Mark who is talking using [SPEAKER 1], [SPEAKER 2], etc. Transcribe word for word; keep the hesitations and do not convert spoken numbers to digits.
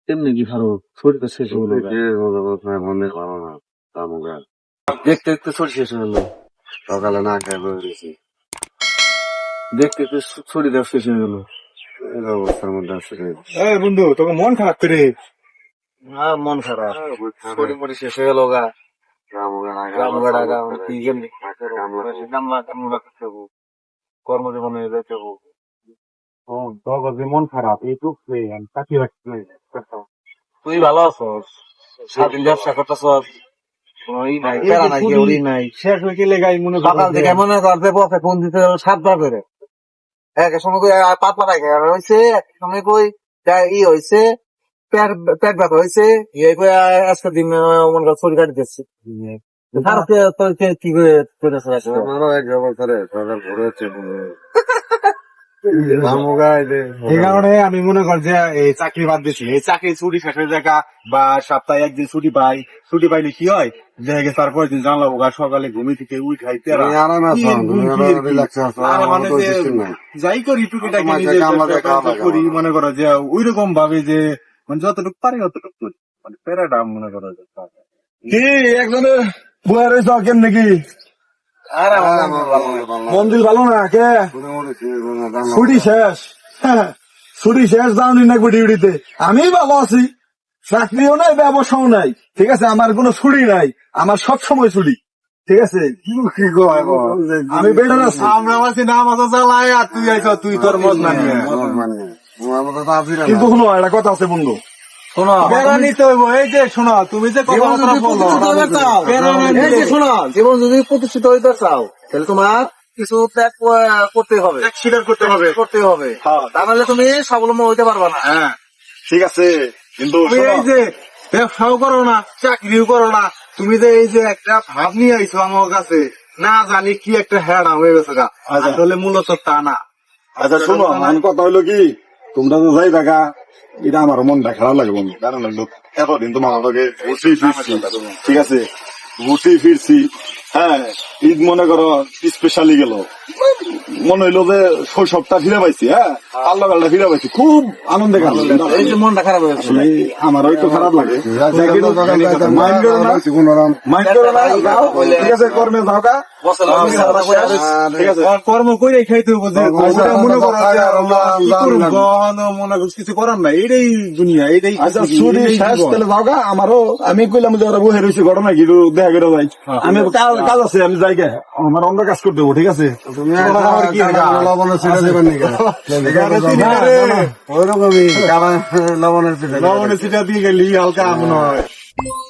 [SPEAKER 1] তেমনি কি ভালো শরীরটা শেষ হলো
[SPEAKER 2] মনের ভালো না তামুগা
[SPEAKER 1] দেখতে দেখতে শরীর শেষ হলো
[SPEAKER 2] সকালে না খাই বেরিয়েছি
[SPEAKER 1] দেখতে দেখতে শরীর শেষ হয়ে গেল
[SPEAKER 2] এই অবস্থার মধ্যে আছে
[SPEAKER 3] এই বন্ধু তোকে মন খারাপ করে
[SPEAKER 1] হ্যাঁ মন খারাপ শরীর মরি শেষ হয়ে গেল গা রামগা ডাকা কি কেমনি কামলা কামলা করতে হবো কর্মজীবনে যেতে হবো
[SPEAKER 3] তোর যে মন খারাপ এই তো চাকরি রাখতে
[SPEAKER 1] তুই ভালো আছস স্বাধীন ব্যবসা করতেছস কোনোই নাই প্যারা নাই কেউই নাই
[SPEAKER 3] শেষ হয়ে গেলে গাই মনে
[SPEAKER 1] সকাল থেকে মনে করতে পথে ফোন দিতে হলো সাতবার করে এক সময় কই পাত পাতা খেয়ে হয়েছে এক সময় কই ই হয়েছে পেট পেট ব্যথা হয়েছে ইয়ে কই আজকে দিন মনে কর শরীর কাটি দিচ্ছে কি করে করেছে
[SPEAKER 2] আমারও এক অবস্থারে সকাল ভোরে হচ্ছে
[SPEAKER 3] এই কারণে আমি মনে কর যে এই চাকরি বাদ দিচ্ছি এই চাকরি ছুটি শেষের জায়গা বা সপ্তাহে একদিন ছুটি পাই ছুটি পাইলে কি হয় দেখে তারপর দিন জানলা বোকা সকালে ঘুমি থেকে উই খাইতে যাই করি টুকিটাকি করি মনে করো যে ওই রকম ভাবে যে মানে যতটুকু পারি অতটুকু করি মানে প্যারাটা মনে করো যে কি একজনের বয়ে রয়েছ কেমনে কি মন্দির ভালো না কে ছুটি শেষ ছুটি শেষ যাওনি না ডিউটিতে আমি ভালো আছি চাকরিও নাই ব্যবসাও নাই ঠিক আছে আমার কোনো ছুটি নাই আমার সব সময় ছুটি ঠিক আছে আমি বেটার আছি আমরা আছি না আমাদের জ্বালায় আর তুই আইছ তুই তোর মত মানিয়ে কিন্তু শোনো একটা কথা আছে বন্ধু শোনো বেড়া নিতে হইব এই যে শোনো তুমি যে
[SPEAKER 1] শোনো জীবন যদি প্রতিষ্ঠিত হইতে চাও তাহলে তোমার কিছু ত্যাগ করতে হবে
[SPEAKER 3] স্বীকার করতে হবে
[SPEAKER 1] করতে হবে তাহলে তুমি স্বাবলম্বী হইতে পারবা না
[SPEAKER 3] হ্যাঁ ঠিক আছে কিন্তু এই যে ব্যবসাও করো না চাকরিও করো না তুমি যে এই যে একটা ভাব নিয়ে আইছো আমার কাছে না জানি কি একটা হেডা হয়ে গেছে গা আসলে মূলত তা না। আচ্ছা শোনো আমার কথা হইলো কি তোমরা তো যাই দেখা এটা আমার মনটা খারাপ লাগে বন্ধু কারণ এতদিন তোমার লগে ঘুরতেই ফিরছি ঠিক আছে ঘুরতেই ফিরছি হ্যাঁ ঈদ মনে করো স্পেশালি গেল মনে হইলো যে শৈশবটা ফিরে পাইছি হ্যাঁ আল্লাহটা ফিরে পাইছি খুব আনন্দে গেল
[SPEAKER 1] এই যে মনটা খারাপ হয়ে গেছে
[SPEAKER 3] আমার ওই তো খারাপ লাগে মাইন্ড করো না মাইন্ড করো না ঠিক আছে কর্মে যাও গা ঠিক আছে কর্ম করে খাইতে হবে মনে করো মনে করো কিছু করার নাই এটাই দুনিয়া এটাই ছুটি শেষ তাহলে যাও গা আমারও আমি কইলাম যে ওরা বহে রয়েছে ঘটনা কি দেখা করে যাই আমি কাজ আছে আমি যাই গে আমার অন্য কাজ করতে হবো ঠিক আছে লবণের লবণের সিটা দিয়ে গেলি হালকা মনে হয়।